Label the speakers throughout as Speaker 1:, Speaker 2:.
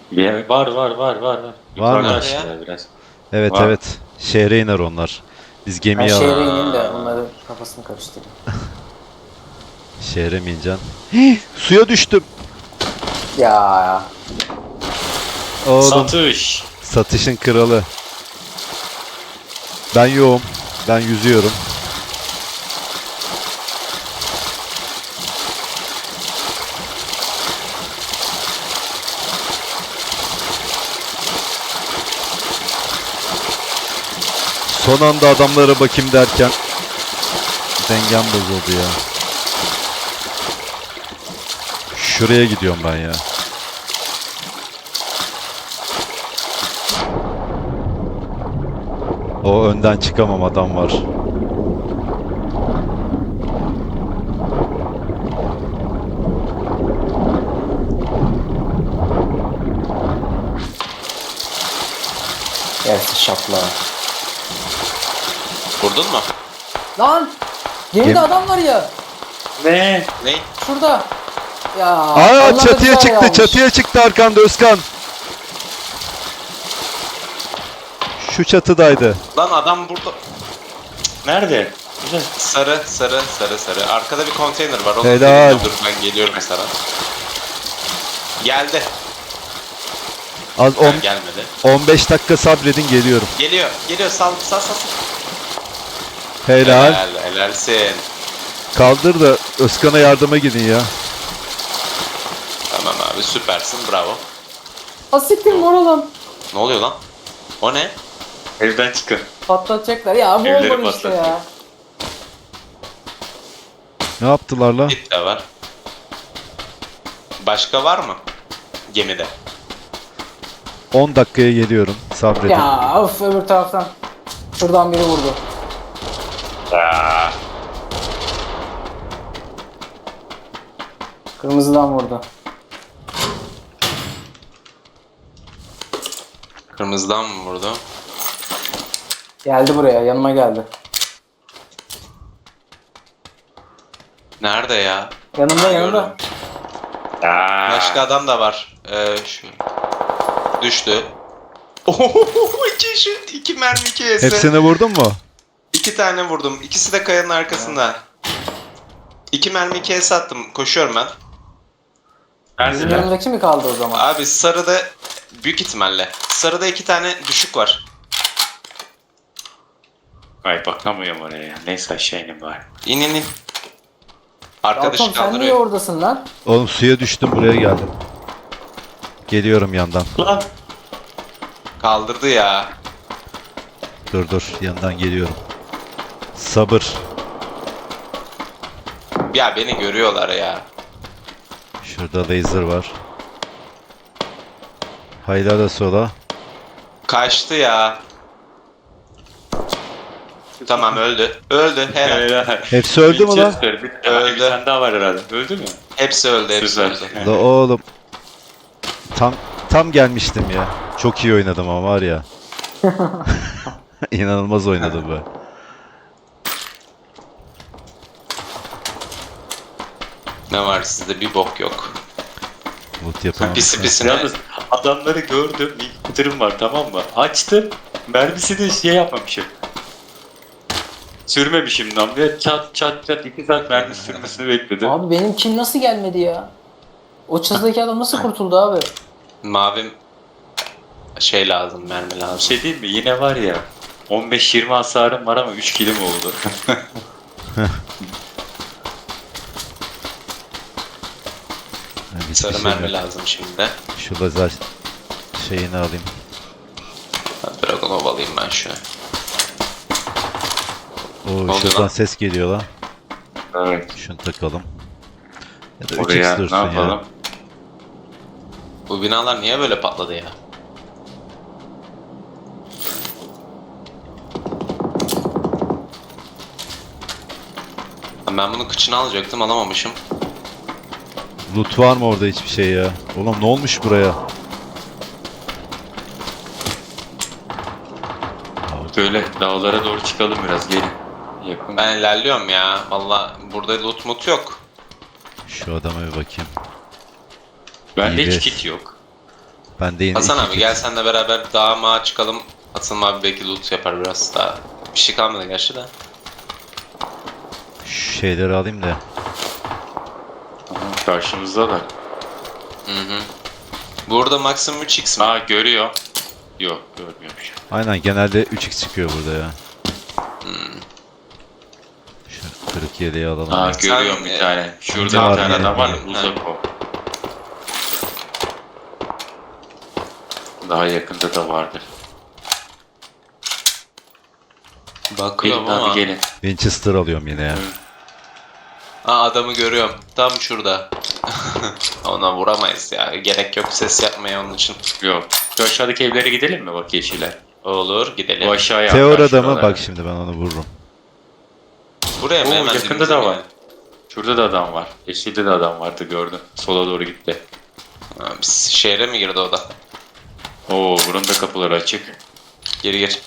Speaker 1: Var.
Speaker 2: Var mı?
Speaker 1: Yukarıda
Speaker 3: Nerede ya?
Speaker 1: aşağıya biraz.
Speaker 2: Evet
Speaker 1: Var.
Speaker 2: evet. Şehre iner onlar. Biz
Speaker 4: Ben
Speaker 2: gemiye
Speaker 4: şehre
Speaker 2: alalım.
Speaker 4: ineyim de onların kafasını karıştırayım.
Speaker 2: Şehre mi ineceksin? Suya düştüm.
Speaker 4: Ya
Speaker 2: Oğlum
Speaker 1: Satış.
Speaker 2: satışın kralı. Ben yoğum. Ben yüzüyorum. Son anda adamlara bakayım derken dengem bozuldu ya. Şuraya gidiyorum ben ya. O önden çıkamam, adam var.
Speaker 4: yersiz şapla.
Speaker 3: Vurdun mu?
Speaker 4: Lan! Gemide
Speaker 2: Gemi-
Speaker 4: adam var ya.
Speaker 1: Ne?
Speaker 3: Ne?
Speaker 4: Şurada. Ya.
Speaker 2: Aa,
Speaker 4: onlar da
Speaker 2: çatıya
Speaker 4: bizi
Speaker 2: çıktı,
Speaker 4: almış.
Speaker 2: çatıya çıktı arkanda Özkan. Şu çatıdaydı.
Speaker 3: Lan adam burada.
Speaker 1: Nerede? Güzel.
Speaker 3: Sarı. Arkada bir konteyner var. Onun
Speaker 2: Helal.
Speaker 3: dibinde dur, ben geliyorum sana. Geldi.
Speaker 2: Az
Speaker 3: Ha, gelmedi.
Speaker 2: 15 dakika sabredin, geliyorum.
Speaker 3: Geliyor. Sal.
Speaker 2: Helal.
Speaker 3: Helalsin.
Speaker 2: Kaldır da Özkan'a yardıma gidin ya.
Speaker 3: Tamam abi, süpersin, bravo.
Speaker 4: Asiktir mor olan.
Speaker 3: Ne oluyor lan? O ne?
Speaker 1: Evden çıkın.
Speaker 4: Patlatacaklar. Ya bu
Speaker 1: Evleri
Speaker 4: olmadı işte
Speaker 1: patlatıyor.
Speaker 4: ya.
Speaker 2: Ne yaptılar la?
Speaker 3: Git de var. Başka var mı? Gemide.
Speaker 2: 10 dakikaya geliyorum. Sabredin.
Speaker 4: Ya of, öbür taraftan. Şuradan biri vurdu.
Speaker 1: Aa,
Speaker 4: Kırmızıdan vurdu.
Speaker 3: Kırmızıdan mı vurdu?
Speaker 4: Geldi buraya, yanıma geldi.
Speaker 3: Nerede ya?
Speaker 4: Yanımda.
Speaker 3: Gördüm.
Speaker 1: aa.
Speaker 3: Başka adam da var. Şu. Düştü. Ohohoho, iki mermi, iki esi.
Speaker 2: Hepsini vurdun mu?
Speaker 3: 2 tane vurdum. İkisi de kayanın arkasında. 2 mermi, 2 es attım. Koşuyorum ben.
Speaker 4: Bizim
Speaker 1: Neredeler?
Speaker 4: yanımdaki mi kaldı o zaman?
Speaker 3: Abi sarıda büyük ihtimalle. Sarıda 2 tane düşük var.
Speaker 1: Ay bakamıyorum oraya. Neyse aşağı ineyim bari.
Speaker 3: İn. Arkadaşı
Speaker 4: Atom sen niye
Speaker 3: kaldırıyor.
Speaker 4: oradasın lan?
Speaker 2: Oğlum suya düştüm, buraya geldim. Geliyorum yandan.
Speaker 1: Lan.
Speaker 3: Kaldırdı ya.
Speaker 2: Dur yandan geliyorum. Sabır.
Speaker 3: Ya beni görüyorlar ya.
Speaker 2: Şurada laser var. Hayla da sola.
Speaker 3: Kaçtı ya. Tamam, öldü. Helal.
Speaker 1: Helal.
Speaker 2: Hepsi öldü mü lan?
Speaker 3: Öldü.
Speaker 1: Bir tane daha var herhalde. Öldü mü?
Speaker 3: Hepsi öldü.
Speaker 1: Süper.
Speaker 2: La oğlum. Tam gelmiştim ya. Çok iyi oynadım ama var ya. İnanılmaz oynadım be.
Speaker 3: Ne var sizde? Bir bok yok.
Speaker 2: Loot yapamam.
Speaker 3: Pisi pisine.
Speaker 1: Yalnız adamları gördüm. İlk kıtırım var, tamam mı? Açtım. Mermisini şey yapmamışım. Sürmemişim namluya. Çat 2 saat mermi sürmesini bekledim.
Speaker 4: Abi benim kim nasıl gelmedi ya? O çatıdaki adam nasıl kurtuldu abi?
Speaker 3: Mavim şey lazım, mermi
Speaker 1: Bir
Speaker 3: lazım.
Speaker 1: şey değil mi? Yine var ya. 15-20 hasarım var ama 3 kilim oldu.
Speaker 2: Hiçbir
Speaker 3: Sarı
Speaker 2: şey
Speaker 3: mermi
Speaker 2: yok.
Speaker 3: lazım şimdi.
Speaker 2: Şu lazer şeyini alayım.
Speaker 3: Dragonov alayım ben şu.
Speaker 2: Oo,
Speaker 3: oluyor
Speaker 2: şuradan
Speaker 3: lan?
Speaker 2: ses geliyor lan.
Speaker 1: Evet.
Speaker 2: Şunu takalım. Ya da
Speaker 1: Oraya
Speaker 2: 3x
Speaker 1: ne
Speaker 2: dursun
Speaker 1: yapalım?
Speaker 2: ya.
Speaker 3: Bu binalar niye böyle patladı ya? Ben bunun kıçını alacaktım, alamamışım.
Speaker 2: Loot var mı orada, hiçbir şey ya? Oğlum ne olmuş buraya?
Speaker 1: Böyle dağlara doğru çıkalım biraz, gelin. Yakın.
Speaker 3: Ben ilerliyorum ya. Valla burada loot mut yok.
Speaker 2: Şu adama bir bakayım.
Speaker 1: Bende
Speaker 2: iyi
Speaker 1: hiç
Speaker 2: be.
Speaker 1: kit yok.
Speaker 2: Ben de yine
Speaker 3: Hasan
Speaker 2: iki
Speaker 3: abi
Speaker 2: kit.
Speaker 3: gel senle beraber dağa mağa çıkalım. Atılım abi belki loot yapar biraz daha. Bir şey kalmadı gerçi de.
Speaker 2: Şu şeyleri alayım da.
Speaker 1: Tamam, karşımızda da.
Speaker 3: Hı hı. Burada maksimum 3x mi?
Speaker 1: Ha görüyor. Yok görmüyormuş.
Speaker 2: Aynen genelde 3x çıkıyor burada ya.
Speaker 3: Hmm.
Speaker 2: Şu kırık yeleği alalım.
Speaker 1: Ha
Speaker 3: Sen,
Speaker 1: görüyorum bir tane. Şurada
Speaker 2: tamam,
Speaker 1: bir tane
Speaker 2: yani.
Speaker 1: adam var.
Speaker 3: Ha.
Speaker 1: Uzak o. Daha yakında da vardır.
Speaker 3: Bakıyorum
Speaker 1: Gelin
Speaker 3: ama.
Speaker 1: abi gelin.
Speaker 2: Winchester alıyorum yine ya.
Speaker 3: Aa, adamı görüyorum. Tam şurada. Ona vuramayız ya. Gerek yok ses yapmaya onun için.
Speaker 1: Yok. Şu aşağıdaki evlere gidelim mi bak yeşile?
Speaker 3: Olur gidelim.
Speaker 1: Bu aşağıya
Speaker 2: Teor
Speaker 1: atlar
Speaker 2: adamı
Speaker 1: şuralara.
Speaker 2: bak şimdi ben onu vururum.
Speaker 3: Buraya mı
Speaker 1: Oo,
Speaker 3: hemen
Speaker 1: yakında
Speaker 3: dibimize
Speaker 1: da
Speaker 3: mi
Speaker 1: var.
Speaker 3: yani?
Speaker 1: Şurada da adam var. Yeşilde de adam vardı gördüm. Sola doğru gitti.
Speaker 3: Ha, biz şehre mi girdi o da?
Speaker 1: Oo bunun da kapıları açık.
Speaker 3: Geri gir.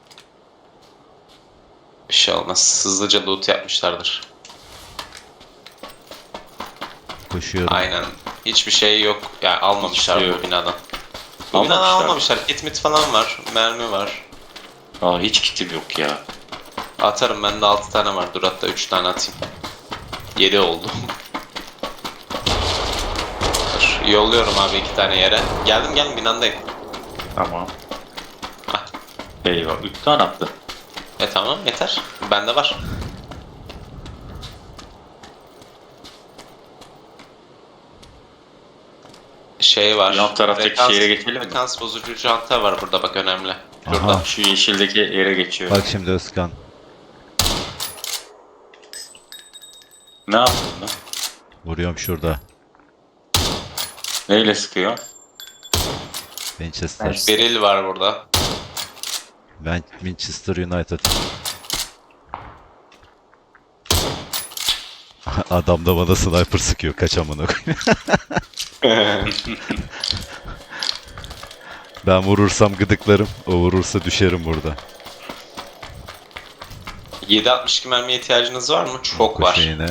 Speaker 3: Bir şey olmaz. Hızlıca loot yapmışlardır.
Speaker 2: Koşuyorum.
Speaker 3: Aynen. Hiçbir şey yok. Yani almamışlar
Speaker 1: Hiçbir şey
Speaker 3: bu
Speaker 1: yok.
Speaker 3: binadan. Bu binadan
Speaker 1: Almamışlar.
Speaker 3: almamışlar. Kit mit falan var. Mermi var.
Speaker 1: Aa hiç kitim yok ya.
Speaker 3: Atarım bende 6 tane var. Dur hatta 3 tane atayım. 7 oldu. Dur, yolluyorum abi 2 tane yere. Geldim binandayım.
Speaker 1: Tamam.
Speaker 3: Hah.
Speaker 1: Eyvah 3 tane attı.
Speaker 3: Tamam yeter. Bende var. Şey var.
Speaker 1: Yan taraftaki şehre geçelim mi?
Speaker 3: Frekans bozucu canta var burada bak önemli. Şurada.
Speaker 2: Aha.
Speaker 1: Şu yeşildeki yere geçiyor.
Speaker 2: Bak şimdi Özkan.
Speaker 1: Ne yaptın lan?
Speaker 2: Vuruyorum şurada.
Speaker 1: Neyle sıkıyor?
Speaker 2: Winchester.
Speaker 4: Evet.
Speaker 3: Beril var burada.
Speaker 2: Ben Winchester United. Adam da bana sniper sıkıyor. Kaç amına koyayım. Ben vurursam gıdıklarım. O vurursa düşerim burada.
Speaker 3: 7.62 mermiye ihtiyacınız var mı? Çok
Speaker 2: Bu
Speaker 3: var.
Speaker 2: şeyine.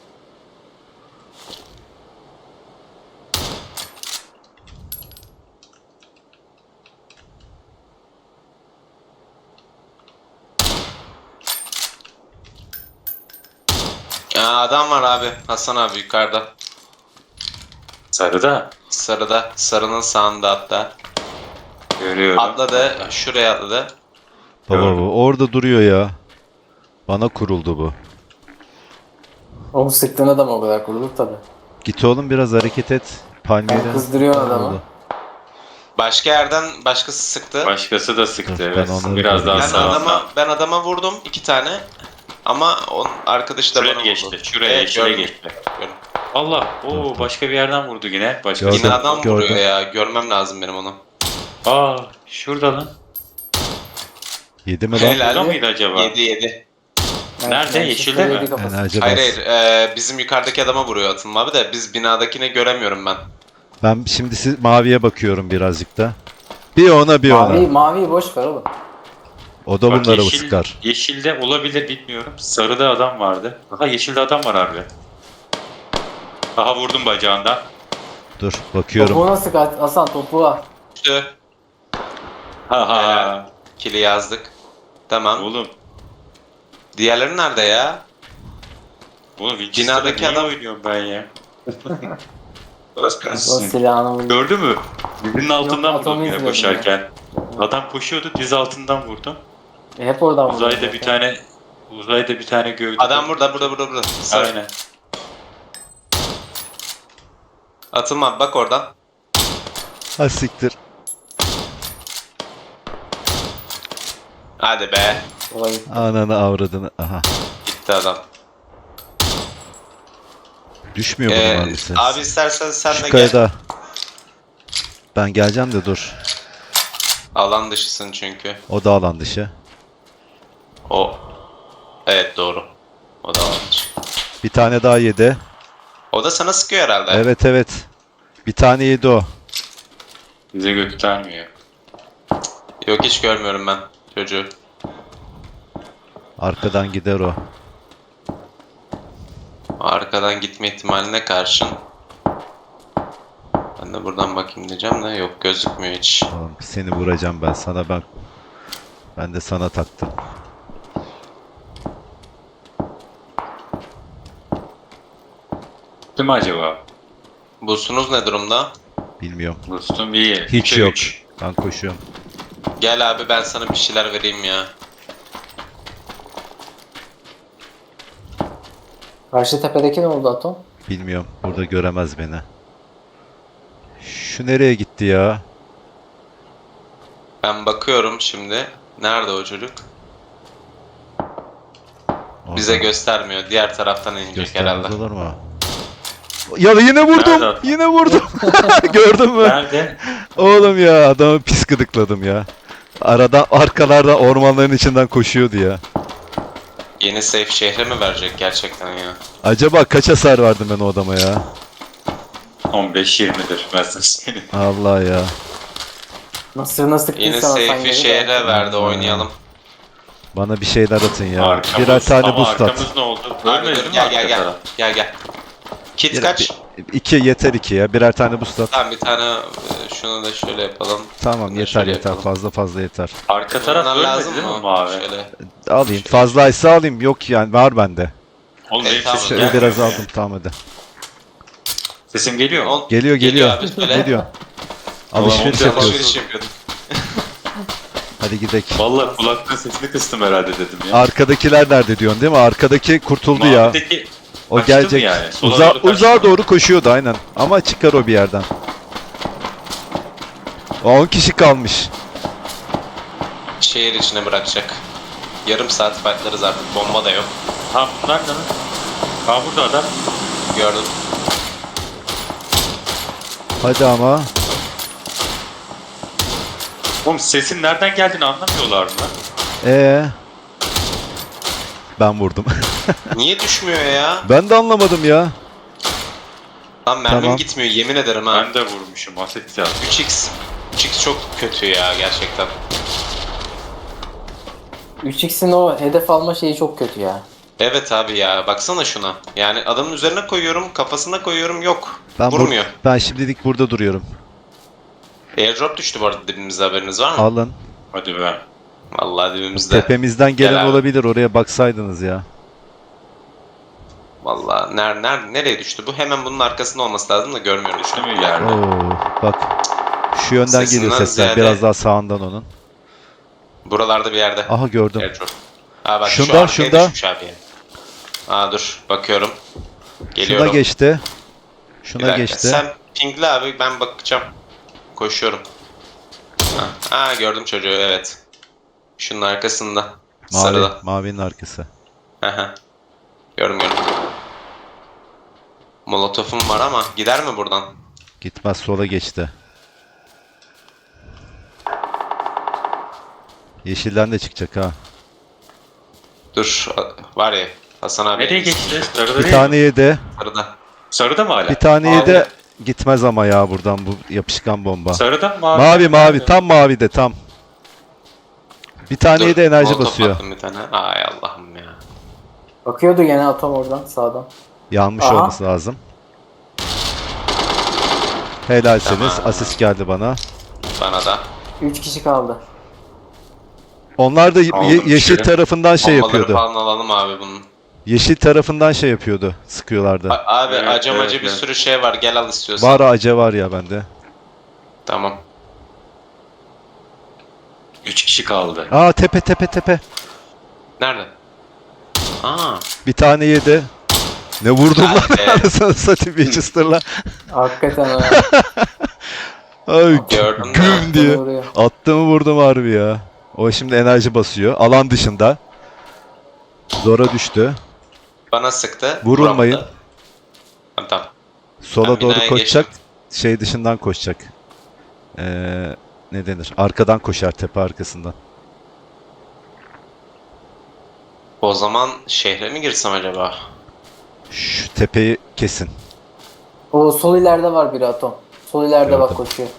Speaker 3: Adam var abi. Hasan abi yukarıda.
Speaker 1: Sarıda.
Speaker 3: Sarıda. Sarının sağında hatta.
Speaker 1: Görüyorum.
Speaker 3: Atladı. Şuraya atladı.
Speaker 2: Baba
Speaker 1: Gördüm.
Speaker 2: bu orada duruyor ya. Bana kuruldu bu.
Speaker 4: Oğlum sıktığın adam o kadar kurulur tabi.
Speaker 2: Git oğlum biraz hareket et. Palmiye'den.
Speaker 4: Ben kızdırıyor adamı.
Speaker 2: Oldu.
Speaker 3: Başka yerden başkası sıktı.
Speaker 1: Başkası da sıktı
Speaker 2: Dur,
Speaker 1: evet.
Speaker 2: ben onları
Speaker 1: Biraz daha
Speaker 2: görüyorum.
Speaker 3: Ben adama vurdum 2 tane. Ama onun arkadaşı da
Speaker 1: Şuraya
Speaker 3: bana
Speaker 1: geçti.
Speaker 3: vurdu.
Speaker 1: Şuraya
Speaker 3: Evet,
Speaker 1: yeşile
Speaker 3: gördüm.
Speaker 1: geçti.
Speaker 3: Gördüm.
Speaker 1: Allah.
Speaker 2: Dur,
Speaker 1: Oo
Speaker 2: dur.
Speaker 1: başka bir yerden vurdu yine. Başka
Speaker 2: Gördüm.
Speaker 3: Yine adam vuruyor
Speaker 2: gördüm.
Speaker 3: ya. Görmem lazım benim onu.
Speaker 1: Aa şurada lan.
Speaker 2: Yedi mi lan?
Speaker 3: Helal.
Speaker 1: Burada mıydı acaba?
Speaker 3: 7.
Speaker 1: Nerede? Yeşilde mi?
Speaker 2: Enerji
Speaker 3: Hayır
Speaker 2: bas.
Speaker 3: hayır. Bizim yukarıdaki adama vuruyor Atılım abi de biz binadakini göremiyorum ben.
Speaker 2: Ben şimdi maviye bakıyorum birazcık da. Bir ona bir
Speaker 4: Mavi,
Speaker 2: ona.
Speaker 4: maviyi boş ver oğlum.
Speaker 2: O da
Speaker 1: Bak,
Speaker 2: bunları
Speaker 1: yeşil-
Speaker 2: sıkar.
Speaker 1: Yeşilde olabilir bilmiyorum. Sarıda adam vardı. Aha yeşilde adam var abi. Aha vurdum bacağından.
Speaker 2: Dur bakıyorum.
Speaker 4: Topuğuna sık Hasan topuğa.
Speaker 3: İşte
Speaker 1: Ha ha.
Speaker 3: Helal. kili yazdık. Tamam.
Speaker 1: Oğlum.
Speaker 3: Diğerleri nerede ya?
Speaker 1: Oğlum Winchester'da
Speaker 3: Binadaki
Speaker 1: niye
Speaker 3: adam-
Speaker 1: oynuyorum ben ya?
Speaker 4: O silahını vurdu.
Speaker 1: Gördün mü? Dizinin altından
Speaker 4: Yok,
Speaker 1: vurdum
Speaker 4: atomu
Speaker 1: yine
Speaker 4: izledim
Speaker 1: koşarken. Adam koşuyordu diz altından vurdum.
Speaker 4: Hep oradan vurdu.
Speaker 1: Uzayda bir tane gövde.
Speaker 3: Adam burada. Sarı.
Speaker 1: Aynen.
Speaker 3: Atılma abi, bak oradan.
Speaker 2: Ha siktir.
Speaker 3: Hadi be.
Speaker 4: Olay.
Speaker 2: Ananı avradını. Aha.
Speaker 3: Gitti adam.
Speaker 2: Düşmüyor bu mermisi.
Speaker 3: Abi istersen sen
Speaker 2: Şu
Speaker 3: de gel.
Speaker 2: kayada. Ben geleceğim de dur.
Speaker 3: Alan dışısın çünkü.
Speaker 2: O da alan dışı.
Speaker 3: O. Evet doğru. O da alan dışı.
Speaker 2: Bir tane daha yedi.
Speaker 3: O da sana sıkıyor herhalde.
Speaker 2: Evet evet. Bir tane yedi o.
Speaker 1: Bize göstermiyor.
Speaker 3: Yok hiç görmüyorum ben çocuğu.
Speaker 2: Arkadan gider o.
Speaker 3: Arkadan gitme ihtimaline karşın. Ben de de buradan bakayım diyeceğim de yok gözükmüyor hiç.
Speaker 2: Tamam, seni vuracağım ben sana ben de sana taktım.
Speaker 1: Değil mi acaba?
Speaker 3: Boost'unuz ne durumda?
Speaker 2: Bilmiyorum.
Speaker 1: Boost'um iyi.
Speaker 2: Hiç
Speaker 1: Üçe
Speaker 2: yok.
Speaker 1: üç.
Speaker 2: Ben koşuyorum.
Speaker 3: Gel abi ben sana bir şeyler vereyim ya.
Speaker 4: Karşı tepedeki ne oldu Atom?
Speaker 2: Bilmiyorum. Burada göremez beni. Şu nereye gitti ya?
Speaker 3: Ben bakıyorum şimdi. Nerede o çocuk? Bize
Speaker 2: Oradan
Speaker 3: göstermiyor. Diğer taraftan inecek
Speaker 2: göstermez
Speaker 3: herhalde.
Speaker 2: olur mu? Ya yine vurdum.
Speaker 1: Nerede?
Speaker 2: Yine vurdum. Gördün mü?
Speaker 1: Nerede?
Speaker 2: Oğlum ya adamı pis gıdıkladım ya. Arkalarda ormanların içinden koşuyordu ya.
Speaker 3: Yeni safe şehre mi verecek gerçekten ya?
Speaker 2: Acaba kaç hasar verdim ben o adama ya?
Speaker 1: 15-20'dir. Ben sana söyleyeyim.
Speaker 2: Allah ya.
Speaker 4: Nasıl sıktın
Speaker 3: Yeni
Speaker 4: sana
Speaker 3: safe'i şehre verdi oynayalım.
Speaker 2: Bana bir şeyler atın ya.
Speaker 1: Arkamız,
Speaker 2: Birer tane
Speaker 1: ama
Speaker 2: boost at.
Speaker 1: arkamız ne oldu?
Speaker 3: Abi
Speaker 1: Ölmedi
Speaker 3: dur
Speaker 1: mi
Speaker 3: gel
Speaker 1: arka
Speaker 3: gel gel.
Speaker 1: taraf?
Speaker 3: Gel gel. Kit
Speaker 2: Bir-
Speaker 3: kaç?
Speaker 2: İki yeter iki ya. Birer tane boost at.
Speaker 3: Tamam bir tane şunu da şöyle yapalım.
Speaker 2: Tamam
Speaker 3: Şöyle
Speaker 2: yeter yeter.
Speaker 3: yapalım.
Speaker 2: fazla yeter.
Speaker 1: Arka taraf
Speaker 3: Bunlar
Speaker 1: ölmedi
Speaker 3: lazım
Speaker 1: değil mi
Speaker 3: mı?
Speaker 1: mavi?
Speaker 3: Şöyle.
Speaker 2: Alayım. Fazlaysa alayım. Yok yani var bende.
Speaker 1: Oğlum
Speaker 3: Evet,
Speaker 1: benim
Speaker 3: tamam.
Speaker 1: sesim
Speaker 2: Şöyle
Speaker 1: gelmiyor
Speaker 2: biraz
Speaker 1: ya.
Speaker 2: aldım tamam hadi.
Speaker 1: Sesim geliyor mu?
Speaker 2: Geliyor.
Speaker 3: abi söyle.
Speaker 2: Geliyor.
Speaker 1: Ulan
Speaker 2: Alışveriş
Speaker 1: onu
Speaker 2: yapıyoruz.
Speaker 3: Alışveriş yapıyorduk.
Speaker 2: Hadi gidelim.
Speaker 1: Vallahi kulaklığın sesini kıstım herhalde dedim ya.
Speaker 2: Arkadakiler nerede diyorsun değil mi? Arkadaki kurtuldu ya.
Speaker 1: Mavideki
Speaker 2: O
Speaker 1: kaçtı mı
Speaker 2: gelecek.
Speaker 1: yani? Sola doğru kaçtı
Speaker 2: Uzağa
Speaker 1: mı?
Speaker 2: doğru koşuyordu aynen. Ama çıkar o bir yerden. O 10 kişi kalmış.
Speaker 3: Şehir içine bırakacak. Yarım saat fightlarız artık. Bomba da yok.
Speaker 1: Ha bunlar ne lan? Ha burada adam.
Speaker 3: Gördüm.
Speaker 2: Hadi ama.
Speaker 1: Oğlum sesin nereden geldiğini anlamıyorlar mı lan?
Speaker 2: Ben vurdum.
Speaker 3: Niye düşmüyor ya?
Speaker 2: Ben de anlamadım ya.
Speaker 3: Lan mermim
Speaker 2: Tamam.
Speaker 3: gitmiyor yemin ederim ha.
Speaker 1: Ben de vurmuşum. Aset ya.
Speaker 3: 3x. 3x çok kötü ya gerçekten.
Speaker 4: 3x'in o hedef alma şeyi çok kötü ya.
Speaker 3: Evet abi ya baksana şuna. Yani adamın üzerine koyuyorum, kafasına koyuyorum yok.
Speaker 2: Ben
Speaker 3: Vurmuyor.
Speaker 2: Ben şimdilik burada duruyorum.
Speaker 3: Airdrop düştü bu arada dibimizde haberiniz var mı?
Speaker 2: Alın.
Speaker 1: Hadi be.
Speaker 3: Vallahi dibimizde.
Speaker 2: Tepemizden
Speaker 3: Gel
Speaker 2: gelen
Speaker 3: abi.
Speaker 2: olabilir. Oraya baksaydınız ya.
Speaker 3: Vallahi nereye düştü bu? Hemen bunun arkasında olması lazım da görmüyorum şu
Speaker 1: Değil
Speaker 3: an.
Speaker 1: mi yerde?
Speaker 2: Oo, bak. Şu yönden
Speaker 3: Sesinden
Speaker 2: geliyor sesler.
Speaker 3: ziyade-
Speaker 2: Biraz daha sağından onun.
Speaker 3: Buralarda bir yerde.
Speaker 2: Aha gördüm.
Speaker 3: Airdrop. Aa bak
Speaker 2: Şunda,
Speaker 3: şu arkaya
Speaker 2: şunda.
Speaker 3: düşmüş abi ya. Aa dur bakıyorum. Geliyorum.
Speaker 2: Şuna geçti.
Speaker 3: Bir
Speaker 2: Şuna
Speaker 3: dakika.
Speaker 2: geçti.
Speaker 3: Sen pingle abi ben bakacağım. Koşuyorum. Ha gördüm çocuğu evet. Şunun arkasında.
Speaker 2: Mavi,
Speaker 3: Sarıda.
Speaker 2: mavinin arkası.
Speaker 3: Aha. Gördüm. Molotofum var ama gider mi buradan?
Speaker 2: Gitmez sola geçti. Yeşilden de çıkacak ha.
Speaker 3: Dur var ya Hasan abi.
Speaker 1: Nereye geçti? Sarıda
Speaker 2: Bir
Speaker 1: değil
Speaker 2: tane
Speaker 1: mi?
Speaker 2: yedi.
Speaker 3: Sarıda.
Speaker 1: Sarıda mı hala?
Speaker 2: Bir tane
Speaker 3: Mavi.
Speaker 2: yedi. Gitmez ama ya buradan bu yapışkan bomba.
Speaker 1: Sarıda mı mavi?
Speaker 2: Mavi mavi tam mavide tam. Bir tane de enerji
Speaker 3: molotof
Speaker 2: basıyor.
Speaker 3: attım bir tane. Ay Allah'ım ya.
Speaker 4: Bakıyordu gene Atom oradan sağdan.
Speaker 2: Yanmış
Speaker 4: Aha.
Speaker 2: olması lazım. Helalsiniz.
Speaker 3: Tamam.
Speaker 2: Asist geldi bana.
Speaker 3: Bana da.
Speaker 4: 3 kişi kaldı.
Speaker 2: Onlar da
Speaker 1: Aldım
Speaker 2: yeşil
Speaker 1: içeri.
Speaker 2: tarafından şey
Speaker 3: Bombaları
Speaker 2: yapıyordu.
Speaker 3: falan alalım abi bunun.
Speaker 2: Yeşil tarafından şey yapıyordu. Sıkıyorlardı.
Speaker 3: Abi
Speaker 1: Evet,
Speaker 3: acamacı
Speaker 1: evet,
Speaker 3: bir
Speaker 1: evet.
Speaker 3: sürü şey var gel al istiyorsan.
Speaker 2: Var ace var ya bende.
Speaker 3: Tamam.
Speaker 1: 3 kişi kaldı.
Speaker 2: Aa tepe.
Speaker 3: Nerede? Aa.
Speaker 2: Bir tane yedi. Ne vurdum lan
Speaker 3: Hadi.
Speaker 2: anasını satayım Winchester'la.
Speaker 4: Hakikaten ha.
Speaker 2: Ay
Speaker 3: Gördüm de.
Speaker 2: güm diye.
Speaker 4: Vuruyor.
Speaker 2: Attığımı vurdum harbi ya. O şimdi enerji basıyor. Alan dışında. Zora düştü.
Speaker 3: Bana sıktı.
Speaker 2: Vurulmayın.
Speaker 3: Vuramadı. Tamam.
Speaker 2: Sola
Speaker 3: Ben
Speaker 2: doğru
Speaker 3: binaya
Speaker 2: koşacak.
Speaker 3: geçtim.
Speaker 2: Şey dışından koşacak. Ne denir? Arkadan koşar tepe arkasından.
Speaker 3: O zaman şehre mi girsem acaba?
Speaker 2: Şu tepeyi kesin.
Speaker 4: O sol ileride var biri Atom. Sol ileride bak
Speaker 2: Gördüm.
Speaker 4: koşuyor.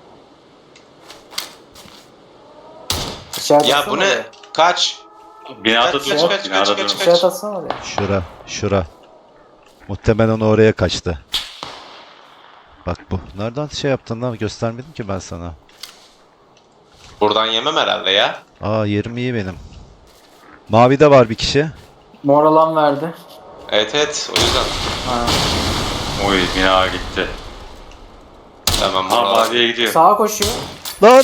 Speaker 4: İşaret
Speaker 3: Ya
Speaker 4: atsana
Speaker 3: bu ne?
Speaker 4: oraya.
Speaker 3: Kaç?
Speaker 1: Binada
Speaker 3: Kaç,
Speaker 1: durma.
Speaker 3: kaç,
Speaker 1: Binada
Speaker 3: kaç,
Speaker 1: durma.
Speaker 3: kaç,
Speaker 4: İşaret atsana oraya.
Speaker 2: Şura. Muhtemelen onu oraya kaçtı. Bak bu. Nereden şey yaptın lan? Göstermedim ki ben sana.
Speaker 3: Buradan yemem herhalde ya.
Speaker 2: Aa, yerim iyi benim. Mavide var bir kişi.
Speaker 4: Mor alan verdi.
Speaker 3: Evet evet, o yüzden.
Speaker 4: Ha.
Speaker 1: Oy bina gitti.
Speaker 3: Tamam
Speaker 1: Ha
Speaker 3: buralar.
Speaker 1: maviye gidiyor.
Speaker 4: Sağa koşuyor.
Speaker 2: Lan!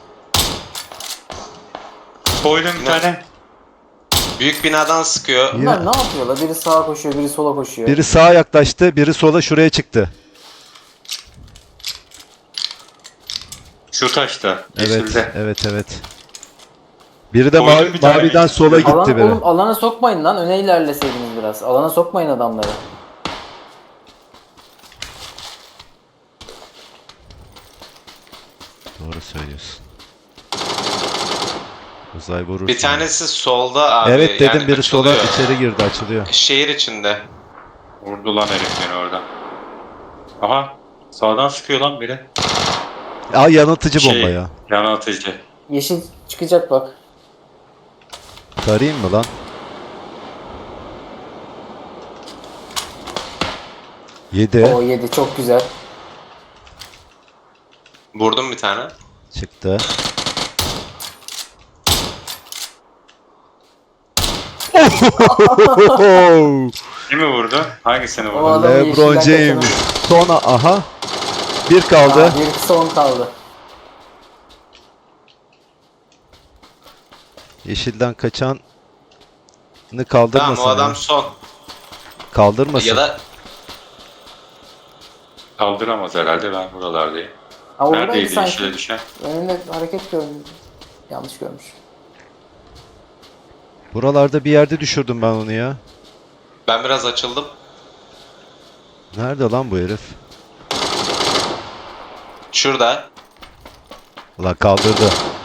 Speaker 1: Koydum bir tane.
Speaker 3: Büyük binadan sıkıyor.
Speaker 4: Bunlar ne yapıyorlar? Biri sağa koşuyor, biri sola koşuyor.
Speaker 2: Biri sağa yaklaştı, biri sola şuraya çıktı.
Speaker 1: Şu taşta.
Speaker 2: Evet,
Speaker 1: Yeşilde.
Speaker 2: evet, evet. Biri de
Speaker 1: Koydum bir tane.
Speaker 2: maviden sola gitti
Speaker 4: Alan,
Speaker 2: biri.
Speaker 4: oğlum alana sokmayın lan. Öne ilerleseydiniz biraz. Alana sokmayın adamları.
Speaker 2: Doğru söylüyorsun. Uzay vurursun.
Speaker 3: Bir tanesi solda abi.
Speaker 2: Evet dedim,
Speaker 3: yani
Speaker 2: biri sola
Speaker 3: açılıyor.
Speaker 2: içeri girdi, açılıyor.
Speaker 3: Şehir içinde.
Speaker 1: Vurdu lan herif beni oradan. Aha. Sağdan sıkıyor lan biri.
Speaker 2: Aa, yanıltıcı bomba ya.
Speaker 1: Yana atıcı.
Speaker 4: Yeşil çıkacak bak.
Speaker 2: Tarayayım mı lan? Yedi.
Speaker 4: O 7 çok güzel.
Speaker 3: Vurdum bir tane.
Speaker 2: Çıktı.
Speaker 1: Kimi vurdu? Hangisini
Speaker 4: O
Speaker 1: vurdu?
Speaker 4: adam
Speaker 2: LeBron
Speaker 4: yeşilden
Speaker 2: James.
Speaker 4: kaçanı-
Speaker 2: Son aha. Bir kaldı.
Speaker 4: Aa, bir son kaldı.
Speaker 2: Yeşilden kaçanı kaldırmasın.
Speaker 3: Tamam o adam
Speaker 2: ya.
Speaker 3: son.
Speaker 2: Kaldırmasın.
Speaker 3: Ya da
Speaker 1: Kaldıramaz herhalde, ben buralardayım.
Speaker 4: Ha oradaydı
Speaker 1: Neredeydi
Speaker 4: sanki.
Speaker 1: yeşile düşen?
Speaker 4: Önünde hareket gördüm. Yanlış görmüş.
Speaker 2: Buralarda bir yerde düşürdüm ben onu ya.
Speaker 3: ben biraz açıldım.
Speaker 2: Nerede lan bu herif?
Speaker 3: Şurada.
Speaker 2: Ulan kaldırdı.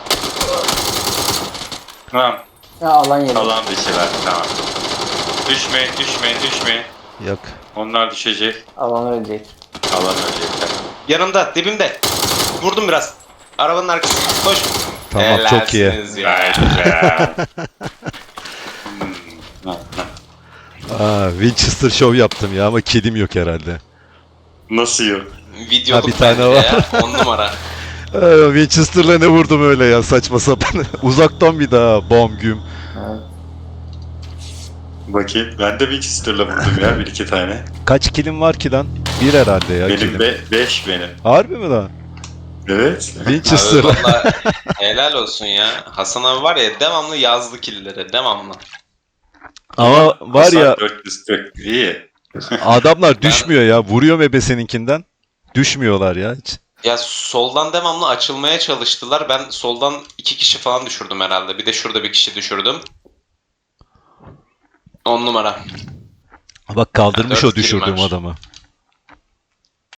Speaker 1: Tamam.
Speaker 4: Ya alan yedi.
Speaker 1: Alan dışılar. Tamam. Düşmeyin, düşmeyin, düşmeyin.
Speaker 2: Yok.
Speaker 1: Onlar düşecek.
Speaker 4: Alan ölecek.
Speaker 1: Alan ölecekler.
Speaker 3: Yanımda, dibimde. Vurdum biraz. Arabanın arkasında. Koş.
Speaker 2: Tamam, çok iyi.
Speaker 3: Helalsiniz ya.
Speaker 1: Gayet güzel.
Speaker 2: Aa, Winchester Show yaptım ya ama kilim yok herhalde.
Speaker 1: Nasıl yok?
Speaker 3: Videoluk
Speaker 2: Ha, bir tane
Speaker 3: bence
Speaker 2: var.
Speaker 3: ya. 10 numara.
Speaker 2: Winchester'la ne vurdum öyle ya, saçma sapan. Uzaktan bir daha bom güm.
Speaker 4: Evet.
Speaker 1: Bakayım. Ben de Winchester'la vurdum ya bir iki tane.
Speaker 2: Kaç kilim var ki lan? Bir herhalde ya
Speaker 1: Benim
Speaker 2: kilim.
Speaker 1: 5 benim.
Speaker 2: Harbi mi lan?
Speaker 1: Evet.
Speaker 2: Winchester.
Speaker 3: Abi valla helal olsun ya. Hasan abi var ya devamlı yazdı killleri. Devamlı.
Speaker 2: Ama var ya
Speaker 1: 440 iyi.
Speaker 2: adamlar düşmüyor ya. Vuruyor ebeseninkinden. Düşmüyorlar ya hiç.
Speaker 3: Ya soldan devamlı açılmaya çalıştılar. Ben soldan 2 kişi falan düşürdüm herhalde. Bir de şurada bir kişi düşürdüm. 10 numara.
Speaker 2: Bak kaldırmış
Speaker 3: Dört
Speaker 2: o düşürdüğüm
Speaker 3: kilim var.
Speaker 2: adamı.